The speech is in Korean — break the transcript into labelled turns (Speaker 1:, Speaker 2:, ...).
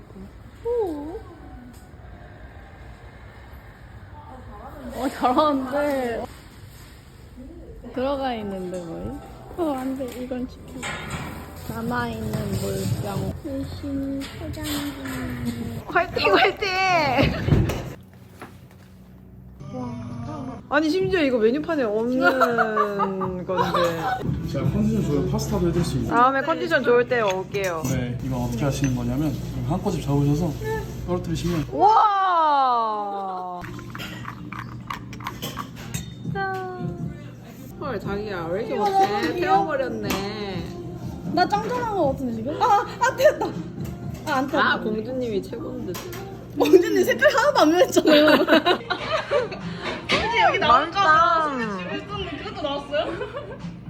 Speaker 1: 잘하는데. 들어가 있는데 뭐이? 안돼 이건 지켜. 남아있는 물병. 열심히 포장 중.
Speaker 2: 화이팅 화이팅! 아니 심지어 이거 메뉴판에 없는 건데.
Speaker 3: 제가 컨디션 좋은 파스타도 해드릴 수 있어요.
Speaker 2: 다음에 컨디션 좋을 때 올게요.
Speaker 3: 네, 이거 어떻게 하시는 거냐면 한꺼집 잡으셔서 떨어뜨리시면
Speaker 2: 와. 헐 자기야 왜 이렇게 못해? 태워버렸네.
Speaker 1: 나 짱짱한 거 같은데 지금? 됐다. 안 됐다.
Speaker 2: 아 공주님이 최고인데.
Speaker 1: 공주님 색깔 하나도 안 변했잖아요.
Speaker 2: 여기 나온 거
Speaker 1: 그것도 나왔어요?